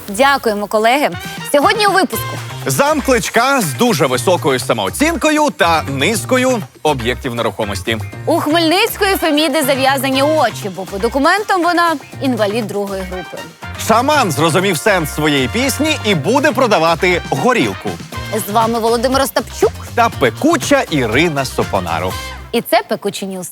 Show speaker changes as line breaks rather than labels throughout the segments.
Дякуємо, колеги. Сьогодні у випуску.
Зам Кличка з дуже високою самооцінкою та низкою об'єктів нерухомості.
У Хмельницької Феміди зав'язані очі, бо по документам вона інвалід другої групи.
Шаман зрозумів сенс своєї пісні і буде продавати горілку.
З вами Володимир Остапчук.
Та пекуча Ірина Сопонару.
І це «Пекучі Ньюс».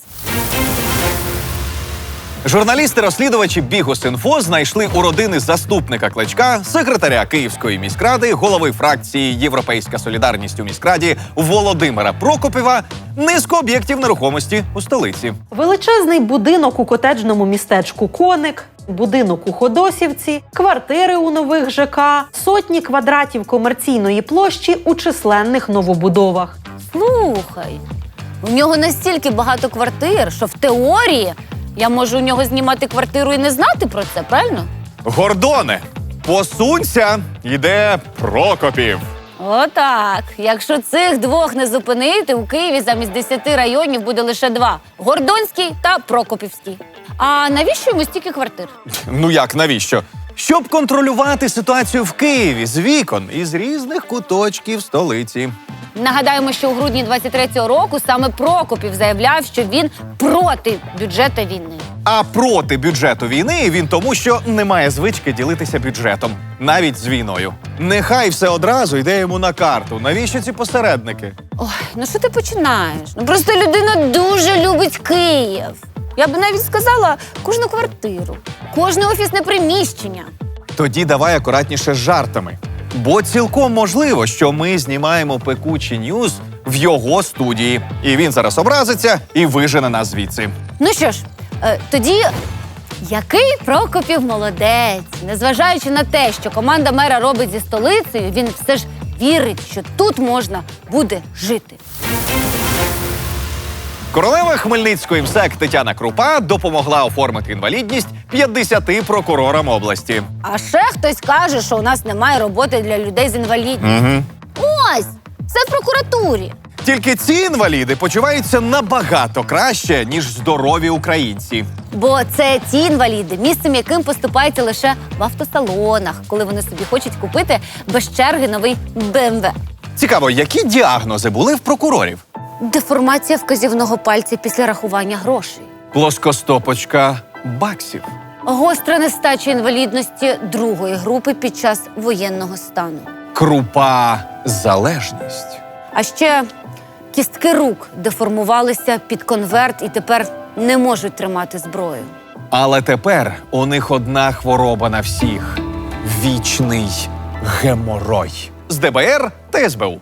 Журналісти-розслідувачі Бігус.Інфо знайшли у родини заступника Кличка, секретаря Київської міськради, голови фракції «Європейська солідарність» у міськраді Володимира Прокопєва низку об'єктів нерухомості у столиці.
Величезний будинок у котеджному містечку Коник, будинок у Ходосівці, квартири у нових ЖК, сотні квадратів комерційної площі у численних новобудовах.
Слухай, у нього настільки багато квартир, що в теорії я можу у нього знімати квартиру і не знати про це, правильно?
Гордоне, посунься, йде Прокопів.
Отак. Якщо цих двох не зупинити, у Києві замість 10 районів буде лише 2 – Гордонський та Прокопівський. А навіщо йому стільки квартир?
Ну як, навіщо? Щоб контролювати ситуацію в Києві з вікон із різних куточків столиці.
Нагадаємо, що у грудні 23-го року саме Прокопів заявляв, що він проти бюджету війни.
А проти бюджету війни він тому, що не має звички ділитися бюджетом, навіть з війною. Нехай все одразу йде йому на карту. Навіщо ці посередники?
Ой, ну що ти починаєш? Ну просто людина дуже любить Київ. Я б навіть сказала, кожну квартиру, кожне офісне приміщення.
Тоді давай акуратніше з жартами. Бо цілком можливо, що ми знімаємо «Пекучі Ньюс» в його студії. І він зараз образиться і вижене нас звідси.
Ну що ж, тоді який Прокопів молодець. Незважаючи на те, що команда мера робить зі столицею, він все ж вірить, що тут можна буде жити.
Королева Хмельницької МСЕК Тетяна Крупа допомогла оформити інвалідність 50 прокурорам області.
А ще хтось каже, що у нас немає роботи для людей з інвалідністю. Ось, все в прокуратурі.
Тільки ці інваліди почуваються набагато краще, ніж здорові українці.
Бо це ті інваліди, місцем яким поступаються лише в автосалонах, коли вони собі хочуть купити без черги новий БМВ.
Цікаво, які діагнози були в прокурорів?
Деформація вказівного пальця після рахування грошей.
Плоскостопочка баксів.
Гостра нестача інвалідності другої групи під час воєнного стану.
Крупа залежність.
А ще кістки рук деформувалися під конверт і тепер не можуть тримати зброю.
Але тепер у них одна хвороба на всіх – вічний геморой. З ДБР та СБУ.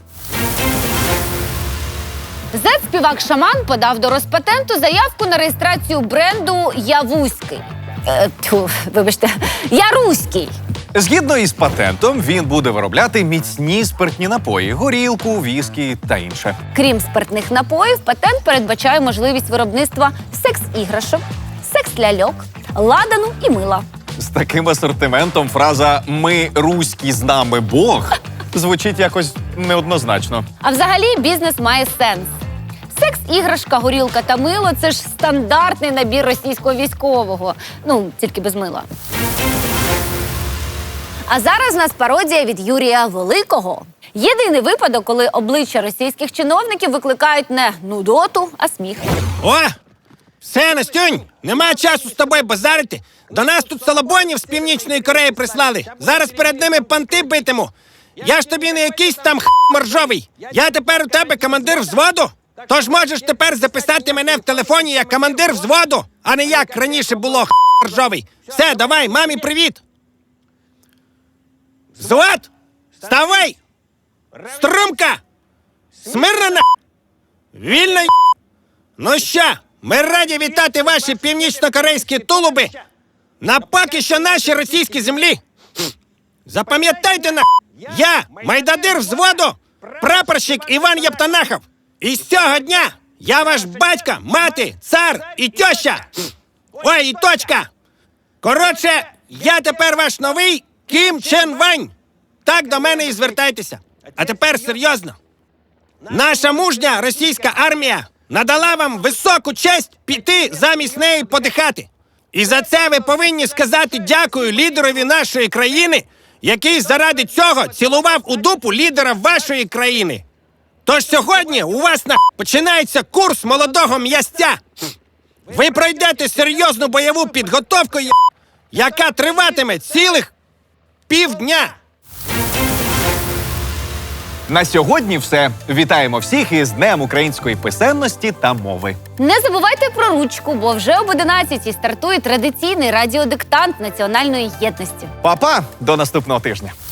Зет-співак Шаман подав до Роспатенту заявку на реєстрацію бренду «Явузький». Вибачте, «Яруський».
Згідно із патентом, він буде виробляти міцні спиртні напої – горілку, віскі та інше.
Крім спиртних напоїв, патент передбачає можливість виробництва секс-іграшок, секс-ляльок, ладану і мила.
З таким асортиментом фраза «ми руські, з нами Бог» звучить якось неоднозначно.
А взагалі бізнес має сенс. Секс-іграшка, горілка та мило – це ж стандартний набір російського військового. Ну, тільки без мила. А зараз у нас пародія від Юрія Великого. Єдиний випадок, коли обличчя російських чиновників викликають не нудоту, а сміх.
О! Все, Настюнь, нема часу з тобою базарити. До нас тут салабонів з Північної Кореї прислали. Зараз перед ними панти битиму. Я ж тобі не якийсь там моржовий. Я тепер у тебе командир взводу. Тож можеш тепер записати мене в телефоні як командир взводу, а не як раніше було моржовий. Все, давай, мамі привіт. Взвод! Вставай! Струмка! Смирно на! Вільно! Ну що, ми раді вітати ваші північно-корейські тулуби на поки що нашій російській землі. Запам'ятайте на! Я, майдадир взводу, прапорщик Іван Єптанахов. І з цього дня я ваш батько, мати, цар і тьоща. Ой, і точка. Коротше, я тепер ваш новий Кім Чен Вань. Так до мене і звертайтеся. А тепер серйозно. Наша мужня російська армія надала вам високу честь піти замість неї подихати. І за це ви повинні сказати дякую лідерові нашої країни який заради цього цілував у дупу лідера вашої країни. Тож сьогодні у вас починається курс молодого м'ясця. Ви пройдете серйозну бойову підготовку, яка триватиме цілих півдня.
На сьогодні все. Вітаємо всіх із Днем української писемності та мови.
Не забувайте про ручку, бо вже об 11-й стартує традиційний радіодиктант національної єдності.
Па-па! До наступного тижня.